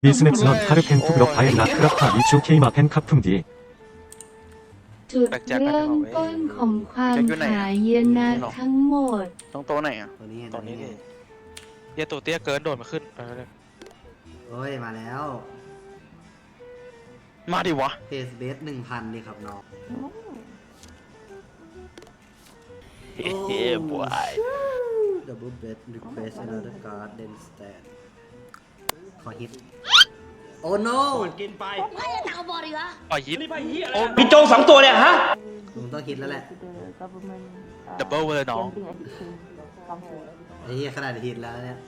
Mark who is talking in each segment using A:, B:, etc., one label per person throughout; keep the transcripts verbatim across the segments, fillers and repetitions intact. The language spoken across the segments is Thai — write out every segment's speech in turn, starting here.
A: 미스맥 슬롯 하르 펜투그럭 바엔 라크라파 미추 케이마 펜카풍 디
B: จุดเริ่มต้นของความหายนะทั้งหมด
C: ต้องโต๊ะไหนอ่ะ
D: ตัวนี้
E: ตอนนี้
D: ไง
E: ดิเหี้ยตัวเตี้ยเกินโดดมาขึ้นเออ
D: โอ้ยมาแล้ว
C: มาดิวะ
D: เพสเบสหนึ่งพันเลยครับน้อง
C: เฮ้ยบวย
D: ดับเบิลเบสรีเควสอันเดอร์การ์ดเดนสแตนขอฮิตโอ้โน
E: ปล่อยยิป
F: พี่โจสองตัวเนี่ยฮะ
D: ลุงต้องฮิตแล้วแหละ
E: ดับเบิลเลยน้อง
D: ไอ้เหี้ยขนาดฮิตแล้วเนี่ย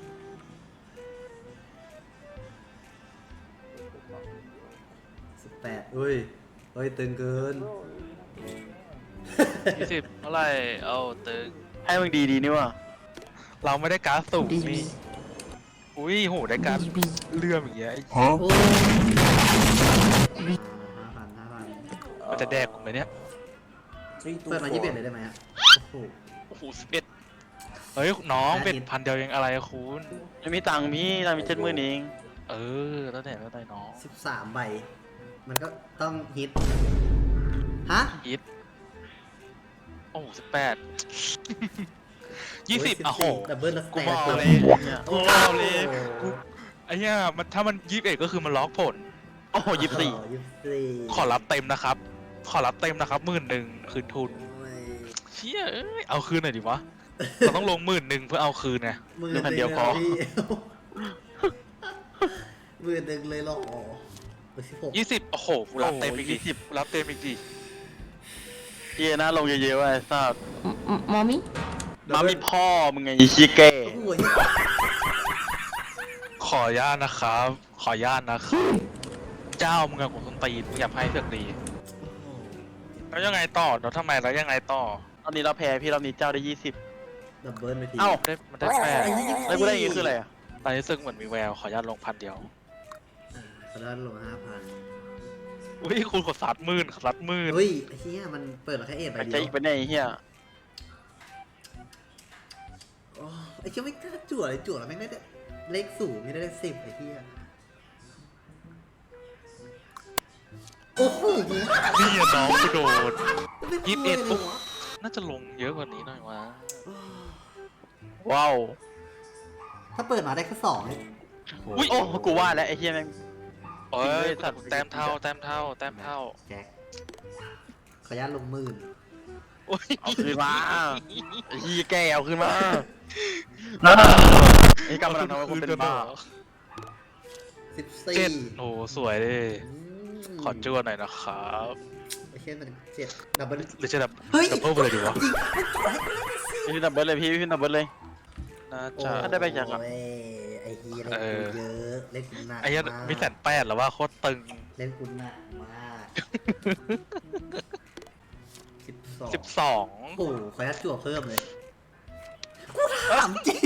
D: สิบแปดอุ้ยเฮ้ยตึงเกิน
E: ยี่สิบเท่าไหร่เอาตึง
C: ให้มึงดีดีนี่วะ
E: เราไม่ได้การ์ดสุ่มนี่อุ้ยโหได้การ์ดเลื่อมอย่างเงี้ย
D: โอ้ห้าพันห้าพัน
E: มันจะแดกผมเลยเนี่ย
D: เปิดมายี่สิบเอ็ดเลยได้ไหมฮะโอ้โห
E: โอ้โหสิบเอ็ดเฮ้ยน้องเป็นพันเดียวยังอะไรอะคุณ
C: ไม่มีตังค์พี่ตังค์มีเจ็ดหมื่นเอง
E: เออแล้วแต่แล้วแต่น้อง
D: สิบสามใบ มันก็ต้องฮิต ฮะ
E: ยิปโอ้สิบแปดยี่สิบอ่ะโห
D: ดับเบิลแล้ว
E: กู
D: แต
E: บอก
D: ก
E: เลยกูบอกเลยกูไอ้เนี้ยมันถ้ามันยี่สิบเอ็ดก็คือมันล็อกผล
C: โอ้โหยี่สิบสี่
D: ยี่สิบสี่
E: ขอรับเต็มนะครับ ขอรับเต็มนะครับหมื่นหนึ่งคืนทุน
D: โอ้ย
E: เชี่ยเอ้ยเอาคืนหน่อยดิวะ เราต้องลงหมื่นหนึ่งเพื่อเอาคืนไง
D: หมือหนึ่งเลยเหรอพี่หมื่นหนึ่งเลยเหรอไปสิบหก
E: ยี่สิบโอ้โหกูรับเต็มอีกดิกูรับเต็มอีกดิ
C: เฮียนะลงเยอะๆว่ะไอ้สัส
B: มอมี่
C: มามีพ่อมึงไงอีชิเก้
D: โอ้โห
E: ขออนุญาตนะครับ ขออนุญาตนะครับเจ้ามึงกับกูต้นตีนมึงอย่าให้เสือกดีแล้วยังไงต่อแล้วทำไมแล้วยังไงต่อ
C: ตอนนี้เราแพ้พี่รอบนี้เจ้าได้ยี่สิบ
D: ดับเบิลไปที
C: เอ้า
E: ได้มันได้แปด
C: แล้วกูได้อย่างงี้คืออะไรอ่ะ
E: ตอนนี้ซึ่งเหมือนมีแววขออนุญาตลงพันเดียว
D: เขาได้ลงห้าพัน
E: อุ้ยคุณขอซัดหมื่นขอซัดหมื่น
D: เฮ้ยไอ้เหี้ยมันเปิดมาแค่เอ็ดใบ
C: มัน
D: เดี
C: จะ
D: ยว
C: อีกไปไหนไอ้เฮีย
D: โอ้ไอ้เหี้ยไม่กล้าจั่วเลยจั่วแล้วแม่งได้เลขสูงไม่ได้เลขสิบไอ้เหี้ยโอ้โห
E: นี่อะน้องกูโดน ยี่สิบเอ็ดปุ๊บ
D: วะ
E: น่าจะลงเยอะกว่านี้หน่อยวะ
C: ว้าว
D: ถ้าเปิดมาได้แค่สองเนี่ย
E: อุ้ย
C: โอ้กูว่าแล้วไอ้เฮียแม่ง
E: เอ้ยสัตว์แต้มเท่าแต้มเท่าแต้มเท่า
D: แจ็คขออนุญาตลงหมื่น
E: โอ้ย
C: เอาคืนมาไอ้เฮียแกเอาคืนมาไอ้กำลังทำให้กูเป็นบ้า
D: สิบสี่
E: เจ็ดโอ้สวยดิ
D: ม
E: ขอจ้วหน่อยนะครับ
D: ไอ้เช่นมันเจ็ดดับเบิล
E: หรือจะดับ
D: เฮ้ย
E: ดับเบิลไปเลยดีวะ
C: พี่ดับเบิลเลยพี่พี่ดับเบิลเลย
E: น่า
D: โอ้
E: จะ
C: ถ้าได้ไปจากอะ
D: โอ้ยไอ้เฮียเล่น
E: เออ
D: กูเยอะเล่นกูหนัก
E: ไอ้เหี้ยัน
D: มาก
E: มีแสนแปดหรอว่าโคตรตึง
D: เล่นกูหนักมากสิบสอง
E: สิบสอง
D: โอ้โหขออนุญาตจั่วเพิ่มเลยกูถามจริง